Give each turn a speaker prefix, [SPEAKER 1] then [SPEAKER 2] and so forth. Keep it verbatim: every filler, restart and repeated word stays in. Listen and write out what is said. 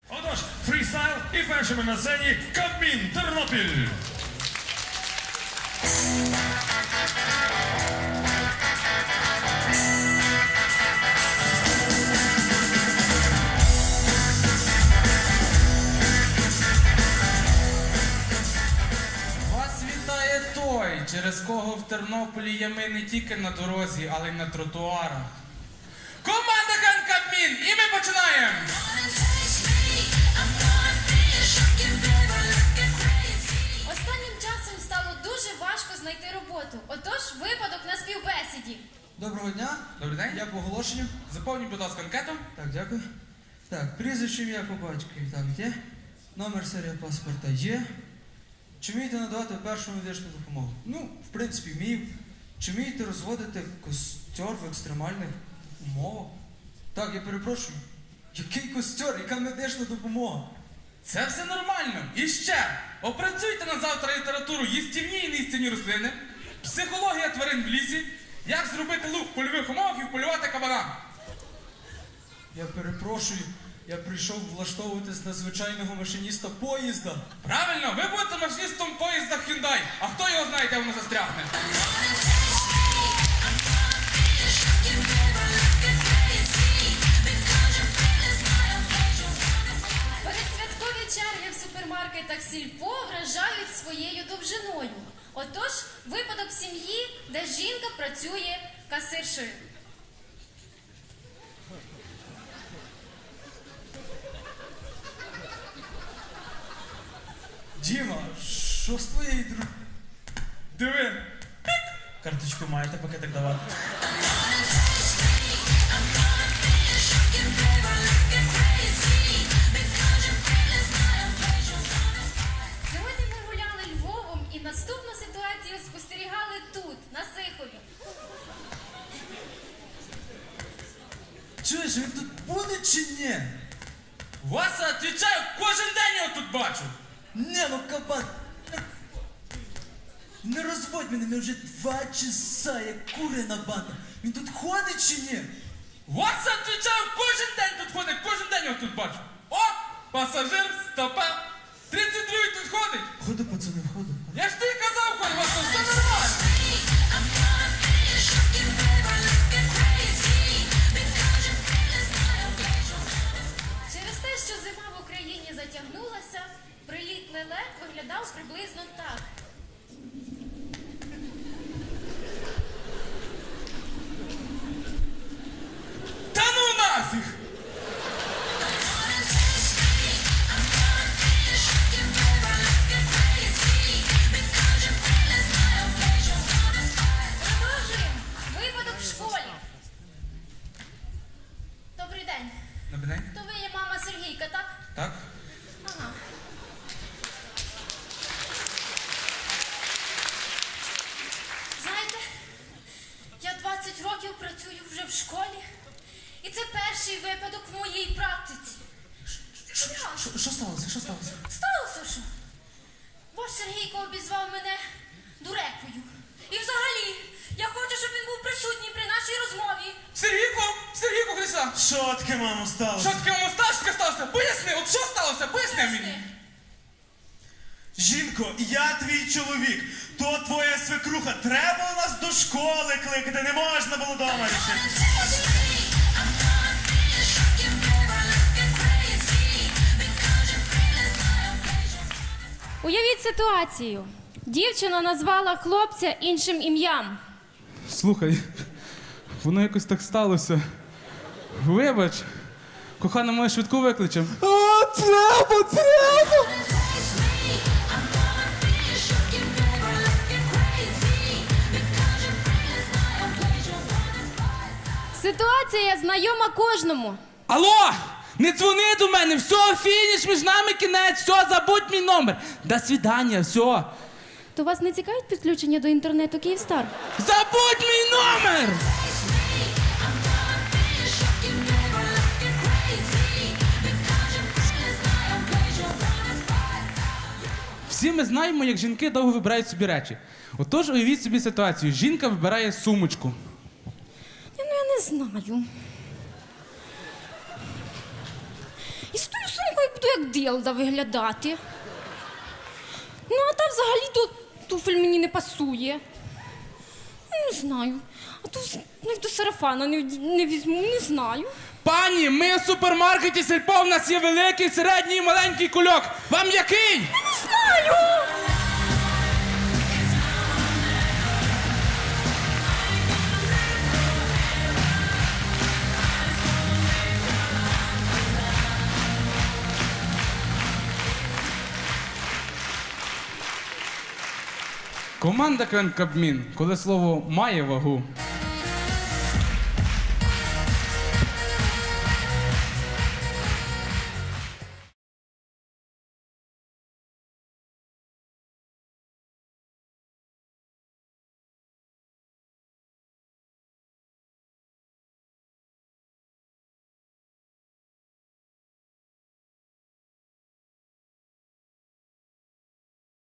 [SPEAKER 1] Отож, фрістайл і першими на сцені Кабмін Тернопіль.
[SPEAKER 2] Вас вітає той, через кого в Тернополі ями не тільки на дорозі, але й на тротуарах. Команда Кабмін! І ми починаємо!
[SPEAKER 3] Останнім часом стало дуже важко знайти роботу. Отож, випадок на співбесіді.
[SPEAKER 4] Доброго дня.
[SPEAKER 2] Добрий день.
[SPEAKER 4] Я по оголошенню.
[SPEAKER 2] Заповніть, будь ласка, анкету.
[SPEAKER 4] Так, дякую. Так, прізвище, ім'я по батькові. Так, є. Номер серія паспорта є. Чи вмієте надавати першу медичну допомогу? Ну, в принципі, вмію. Чи вмієте розводити костер в екстремальних умовах? Так, я перепрошую. Який костер? Яка медична допомога?
[SPEAKER 2] Це все нормально. І ще, опрацюйте на завтра літературу їстівні і неїстівні рослини, психологія тварин в лісі, як зробити лук в польових умовах і вполювати кабана.
[SPEAKER 4] Я перепрошую. Я прийшов влаштовуватись на звичайного машиніста поїзда.
[SPEAKER 2] Правильно, ви будете машиністом поїзда Hyundai, а хто його знає, де воно застрягне.
[SPEAKER 3] Передсвяткові черги в супермаркетах Сільпо вражають своєю довжиною. Отож, випадок сім'ї, де жінка працює касиршею.
[SPEAKER 4] Діма, що з твоєю друг...
[SPEAKER 2] Диви.
[SPEAKER 5] Карточку маєте, пакетик давати.
[SPEAKER 3] Сьогодні ми гуляли Львовом і наступну ситуацію спостерігали тут, на Сихові.
[SPEAKER 4] Чуєш, він тут буде чи ні?
[SPEAKER 2] Васа, відповідаю, кожен день його тут бачу.
[SPEAKER 4] Не, ну кабан. Не розводь мене, ми вже два часа, як курина банда. Він тут ходить чи ні?
[SPEAKER 2] Васа, відповідаю, кожен день тут ходить, кожен день його тут бачу. О, пасажир, стопа. тридцять другий тут ходить.
[SPEAKER 4] Ходи, пацани, ходи.
[SPEAKER 2] Я ж тобі казав, ходь, Васа, все нормально.
[SPEAKER 3] Через те, що зима в Україні затягнулася, приліт лелек виглядав приблизно так.
[SPEAKER 2] Та ну нафіг!
[SPEAKER 3] Продовжуємо. Випадок в школі. Добрий день.
[SPEAKER 2] Добрий день.
[SPEAKER 3] То ви є мама Сергійка, так?
[SPEAKER 2] Так?
[SPEAKER 3] Ага. Знаєте, я двадцять років працюю вже в школі, і це перший випадок в моїй практиці. Серйозно.
[SPEAKER 4] Що, що сталося? Що сталося?
[SPEAKER 3] Сталося що? Ваш Сергійко обізвав мене дурепою. І взагалі, я хочу, щоб він був присутній при нашій розмові.
[SPEAKER 2] Сергійко, Сергійко, Христа.
[SPEAKER 5] Що таке, мамо, сталося?
[SPEAKER 2] Що таке мусташка сталося? Поясни, от що сталося? Поясни мені.
[SPEAKER 3] Поясни.
[SPEAKER 5] Жінко, я твій чоловік. То твоя свекруха. Треба було нас до школи кликати, не можна було дома рішити.
[SPEAKER 3] Уявіть ситуацію. Дівчина назвала хлопця іншим ім'ям.
[SPEAKER 2] Слухай, воно якось так сталося. Вибач, кохана, ми швидку викличемо.
[SPEAKER 4] А, треба, треба!
[SPEAKER 3] Ситуація знайома кожному.
[SPEAKER 2] Алло! Не дзвони до мене, все, фініш, між нами кінець, все, забудь мій номер. До свидання, все.
[SPEAKER 3] То вас не цікавить підключення до інтернету Київстар?
[SPEAKER 2] Забудь мій номер! Всі ми знаємо, як жінки довго вибирають собі речі. Отож, уявіть собі ситуацію. Жінка вибирає сумочку.
[SPEAKER 3] Ну, я не знаю. І з тою сумкою буду як дилда виглядати. Ну, а та взагалі то туфель мені не пасує. Ну, не знаю. А то навіть до сарафана не, не візьму, не знаю.
[SPEAKER 2] Пані, ми в супермаркеті Сільпо, в нас є великий, середній і маленький кульок. Вам який?
[SPEAKER 3] Не знаю!
[SPEAKER 2] Команда Кабмін, коли слово має вагу.